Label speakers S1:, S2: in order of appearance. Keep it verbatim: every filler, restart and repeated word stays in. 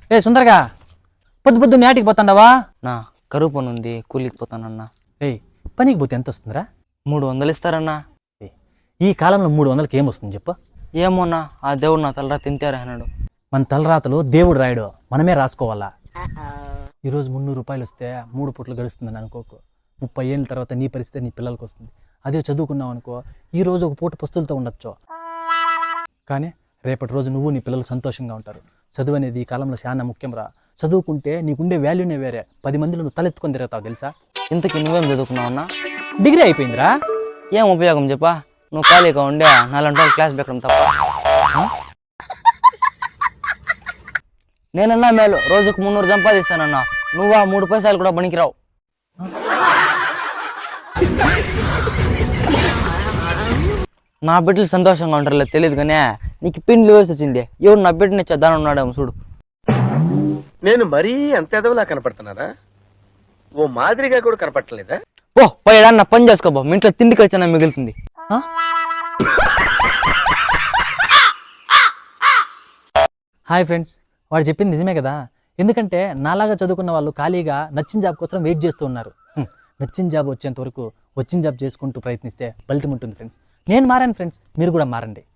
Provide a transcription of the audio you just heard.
S1: ఏ సుందరగా పొద్దు పొద్దు నాటికి పోతాండవా?
S2: నా కరువు పని ఉంది, కూలికి పోతానన్నా.
S1: ఏయ్ పనికి పోతే ఎంత వస్తుందిరా?
S2: మూడు వందలు ఇస్తారన్నా.
S1: ఈ కాలంలో మూడు వందలకి ఏమొస్తుంది చెప్పు?
S2: ఏమోన్నా, ఆ దేవుడు నా తలరా తింటారా అన్నాడు.
S1: మన తలరాతలు దేవుడు రాయడు, మనమే రాసుకోవాలా. ఈరోజు మున్నూరు రూపాయలు వస్తే మూడు పూట్లు గడుస్తుందని అనుకోకు. ముప్పై ఏళ్ళ తర్వాత నీ పరిస్థితి నీ పిల్లలకి వస్తుంది. అదే చదువుకున్నావు అనుకో, ఈ రోజు ఒక పూట పస్తులతో ఉండొచ్చు, కానీ రేపటి రోజు నువ్వు నీ పిల్లలు సంతోషంగా ఉంటారు. చదువు అనేది ఈ కాలంలో చాలా ముఖ్యం రా. చదువుకుంటే నీకుండే వాల్యూనే వేరే. పది మందిలో నువ్వు తలెత్తుకొని తిరుగుతావు తెలుసా?
S2: ఇంతకి నువ్వేం చదువుకున్నావన్నా?
S1: డిగ్రీ అయిపోయిందిరా.
S2: ఏం ఉపయోగం చెప్పా? నువ్వు ఖాళీగా ఉండే నాలుగు రోజులు క్లాస్ పెట్టడం తప్ప. నేనన్నా మేలు, రోజుకు మున్నూరు సంపాదిస్తానన్నా. నువ్వా మూడు పైసలు కూడా పనికిరావు. నా బిడ్డలు సంతోషంగా ఉంటారులే తెలియదు కానీ నీకు పిన్లు వేసి వచ్చింది. ఎవరు నా బిడ్డని చేద్దాను ఉన్నాడేమో చూడు.
S3: నేను మరీ అంత ఎదవలా కనపడుతున్నారా? ఓ మాదిరిగా కూడా కనపడలేదా?
S2: ఓ పోయాడన్న పని చేసుకోబో, మీ ఇంట్లో తిండి ఖర్చు మిగులుతుంది.
S1: హాయ్ ఫ్రెండ్స్, వాడు చెప్పింది నిజమే కదా. ఎందుకంటే నాలాగా చదువుకున్న వాళ్ళు ఖాళీగా నచ్చిన జాబ్ కోసం వెయిట్ చేస్తూ ఉన్నారు. నచ్చిన జాబ్ వచ్చేంత వరకు వచ్చిన జాబ్ చేసుకుంటూ ప్రయత్నిస్తే ఫలితం ఉంటుంది ఫ్రెండ్స్. నేను మారాను ఫ్రెండ్స్, మీరు కూడా మారండి.